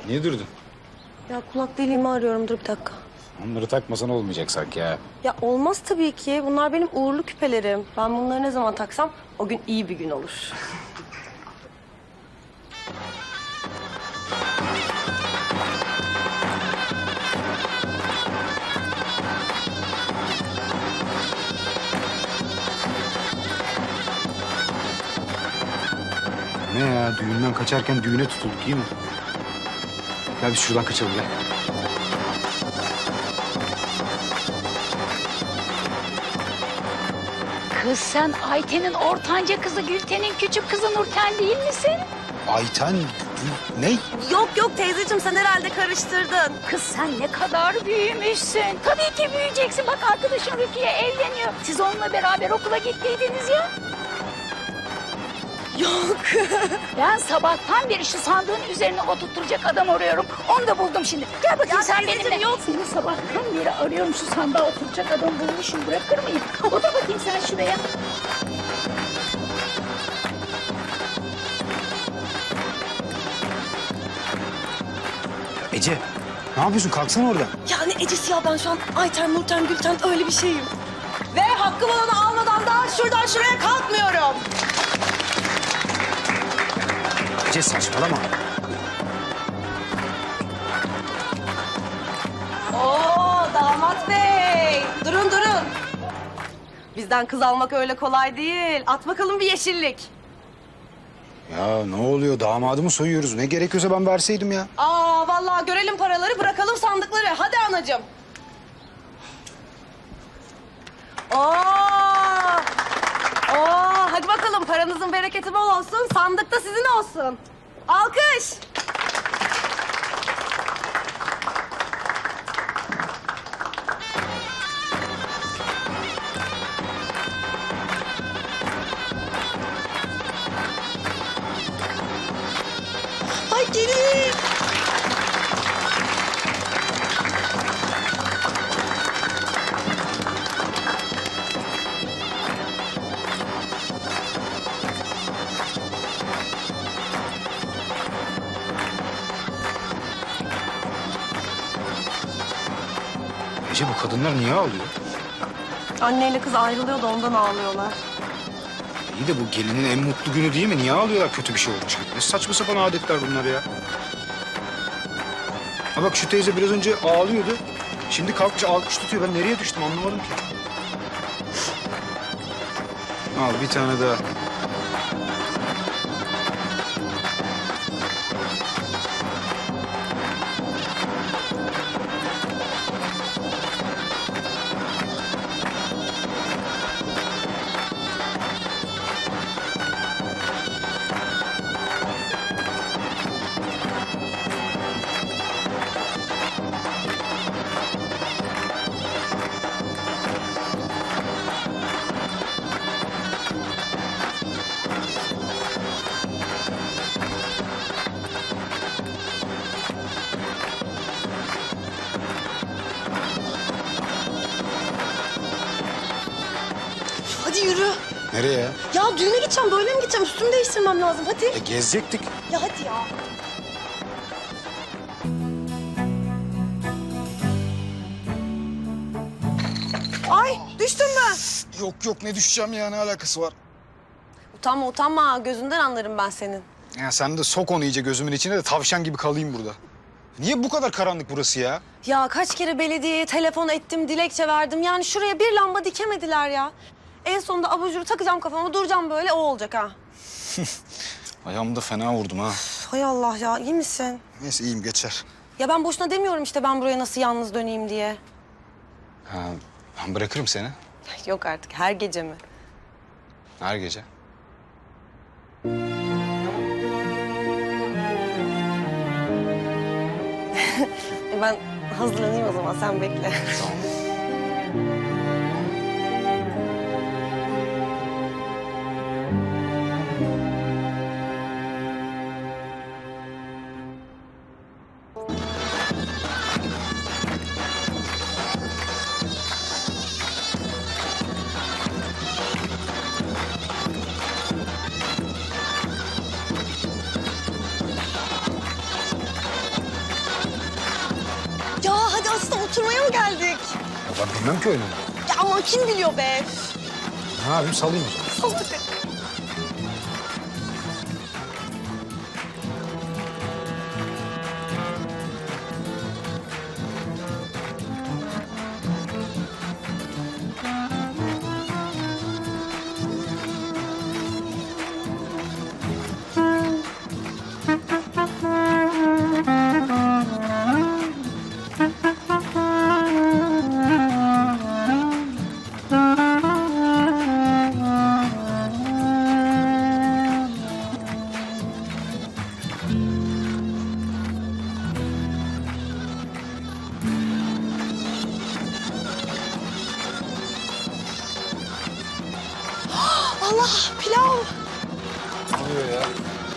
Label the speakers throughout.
Speaker 1: Niye durdun?
Speaker 2: Ya kulak deliğimi arıyorum. Dur bir dakika.
Speaker 1: Onları takmasan olmayacak sanki ya.
Speaker 2: Ya olmaz tabii ki. Bunlar benim uğurlu küpelerim. Ben bunları ne zaman taksam o gün iyi bir gün olur.
Speaker 1: Ne ya? Düğünden kaçarken düğüne tutulduk iyi mi? Gel biz şuradan kaçalım gel.
Speaker 3: Kız sen Ayten'in ortanca kızı Gülten'in küçük kızı Nurten değil misin?
Speaker 1: Ayten ne?
Speaker 2: Yok yok teyzeciğim sen herhalde karıştırdın.
Speaker 3: Kız sen ne kadar büyümüşsün. Tabii ki büyüyeceksin. Bak arkadaşın Rukiye evleniyor. Siz onunla beraber okula gittiydiniz ya.
Speaker 2: Yok.
Speaker 3: Ben sabahtan beri şu sandığın üzerine oturtturacak adam arıyorum. Onu da buldum şimdi. Gel bakayım
Speaker 2: Ya
Speaker 3: sen
Speaker 2: teyzeciğim,
Speaker 3: benimle.
Speaker 2: yok.
Speaker 3: Seni sabahtan beri arıyorum şu sandığa oturacak adam bulmuşum. Bırakır mıyım? Otur bakayım sen şuraya.
Speaker 1: Ece ne yapıyorsun? Kalksana oradan.
Speaker 2: Ya ne Ecesi ya ben şu an Ayten, Nurten, Gülten öyle bir şeyim. Ve hakkım olanı almadan da şuradan şuraya kalkmıyorum.
Speaker 1: Ece saçmalama.
Speaker 2: Oo damat bey. Durun durun. Bizden kız almak öyle kolay değil. At bakalım bir yeşillik.
Speaker 1: Ya ne oluyor? Damadımı soyuyoruz. Ne gerekiyorsa ben verseydim ya.
Speaker 2: Aa vallahi görelim paraları bırakalım sandıkları. Hadi anacığım. Oo. Oo hadi bakalım paranızın bereketi bol olsun. Sandıkta sizin olsun. Alkış. Ay gelin.
Speaker 1: Ece bu kadınlar niye ağlıyor?
Speaker 2: Anneyle kız ayrılıyor da ondan ağlıyorlar.
Speaker 1: İyi de bu gelinin en mutlu günü değil mi? Niye ağlıyorlar kötü bir şey olmuş gibi? Ne saçma sapan adetler bunlar ya. Ha bak şu teyze biraz önce ağlıyordu. Şimdi kalkmış alkış tutuyor. Ben nereye düştüm anlamadım ki. Al bir tane daha.
Speaker 2: Hadi yürü.
Speaker 1: Nereye ya?
Speaker 2: Ya düğüne gideceğim böyle mi gideceğim? Üstümü değiştirmem lazım hadi.
Speaker 1: Gezecektik.
Speaker 2: Ya hadi ya. Ay düştün mü?
Speaker 1: Yok ne düşeceğim ya ne alakası var?
Speaker 2: Utanma utanma gözünden anlarım ben senin.
Speaker 1: Ya sen de sok onu iyice gözümün içine de tavşan gibi kalayım burada. Niye bu kadar karanlık burası ya?
Speaker 2: Ya kaç kere belediyeye telefon ettim, dilekçe verdim. Yani şuraya bir lamba dikemediler ya. En sonunda abajuru takacağım kafama, duracağım böyle o olacak ha.
Speaker 1: Ayağımı da fena vurdum ha.
Speaker 2: Hay Allah ya, iyi misin?
Speaker 1: Neyse iyiyim geçer.
Speaker 2: Ya ben boşuna demiyorum işte ben buraya nasıl yalnız döneyim diye.
Speaker 1: Ha, ben bırakırım seni
Speaker 2: Yok artık, her gece mi?
Speaker 1: her gece.
Speaker 2: Ben hazırlanayım o zaman, sen bekle.
Speaker 1: Tamam. Bilmem ki oynamayı.
Speaker 2: Ya ama kim biliyor be?
Speaker 1: Ne yapayım salayım o zaman.
Speaker 2: Salak. Allah pilav.
Speaker 1: Ne oluyor ya?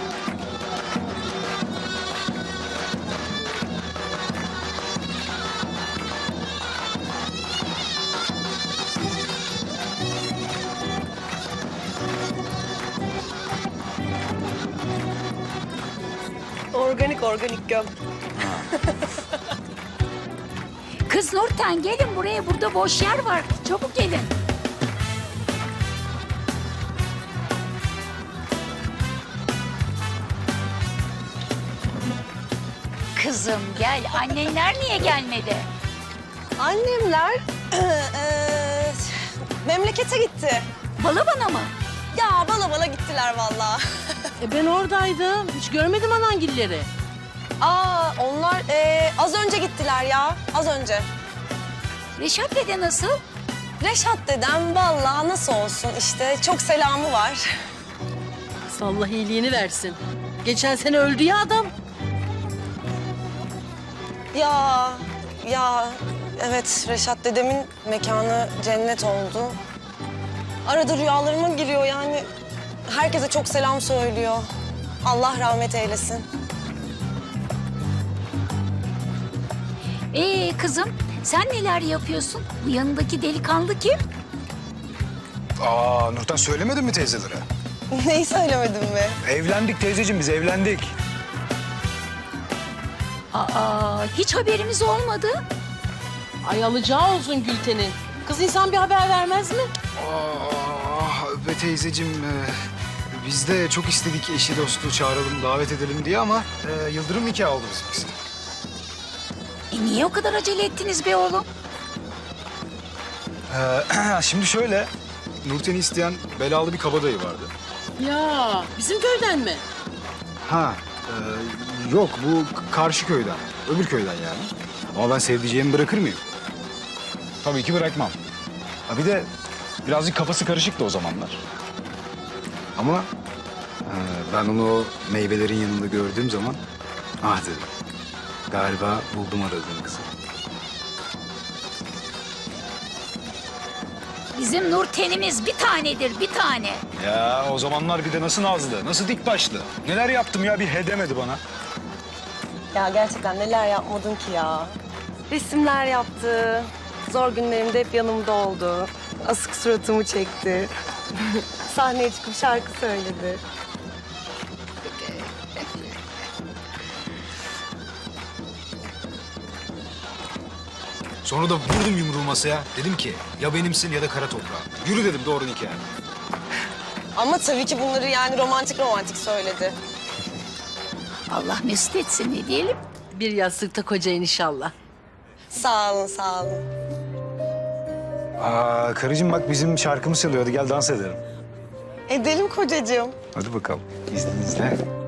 Speaker 2: Organik göm.
Speaker 3: Kız Nurten gelin buraya, burada boş yer var. Çabuk gelin. Kızım gel, annenler niye gelmedi?
Speaker 2: Annemler memlekete gitti.
Speaker 3: Balabana mı?
Speaker 2: Ya bala gittiler vallahi.
Speaker 4: Ben oradaydım. Hiç görmedim anangilleri.
Speaker 2: Aa onlar az önce gittiler ya. Az önce.
Speaker 3: Reşat dede nasıl?
Speaker 2: Reşat dedem vallahi nasıl olsun işte çok selamı var.
Speaker 4: Allah iyiliğini versin. Geçen sene öldü ya adam.
Speaker 2: Ya evet Reşat dedemin mekanı cennet oldu. Arada rüyalarıma giriyor yani. Herkese çok selam söylüyor. Allah rahmet eylesin.
Speaker 3: Kızım sen neler yapıyorsun? Bu yanındaki delikanlı kim?
Speaker 1: Aa Nurten söylemedin mi teyzelere?
Speaker 2: Neyi söylemedim mi?
Speaker 1: Evlendik teyzeciğim biz evlendik.
Speaker 3: Hiç haberimiz olmadı.
Speaker 4: Ay alacağı olsun Gülten'in. Kız insan bir haber vermez mi?
Speaker 1: Be teyzeciğim biz de çok istedik eşi dostu çağıralım davet edelim diye ama yıldırım nikahı oldu bizimkisi.
Speaker 3: Niye o kadar acele ettiniz be oğlum?
Speaker 1: Şimdi şöyle Nurten'i isteyen belalı bir kabadayı vardı.
Speaker 4: Ya bizim köyden mi?
Speaker 1: Ha yok bu karşı köyden öbür köyden yani. Ama ben sevdiceğimi bırakır mıyım? Tabii ki bırakmam. Ha bir de birazcık kafası karışıktı o zamanlar. Ama ben onu o meyvelerin yanında gördüğüm zaman ah dedim. Galiba buldum aradığım kızı.
Speaker 3: Bizim Nurten'imiz bir tanedir, bir tane.
Speaker 1: Ya o zamanlar bir de nasıl nazlı, nasıl dik başlı. Neler yaptım ya bir he demedi bana.
Speaker 2: Ya gerçekten neler yapmadın ki ya. Resimler yaptı. Zor günlerimde hep yanımda oldu. Asık suratımı çekti. Sahneye çıkıp şarkı söyledi.
Speaker 1: Sonra da vurdum yumruğu masaya. Dedim ki ya benimsin ya da kara toprağın. Yürü dedim doğru nikah.
Speaker 2: Ama tabii ki bunları yani romantik söyledi.
Speaker 3: Allah mesut etsin ne diyelim.
Speaker 4: Bir yastıkta kocayın inşallah.
Speaker 2: Sağ olun, sağ olun.
Speaker 1: Aa karıcığım bak bizim şarkımız çalıyor. Hadi gel dans edelim.
Speaker 2: Edelim kocacığım.
Speaker 1: Hadi bakalım. İzninizle.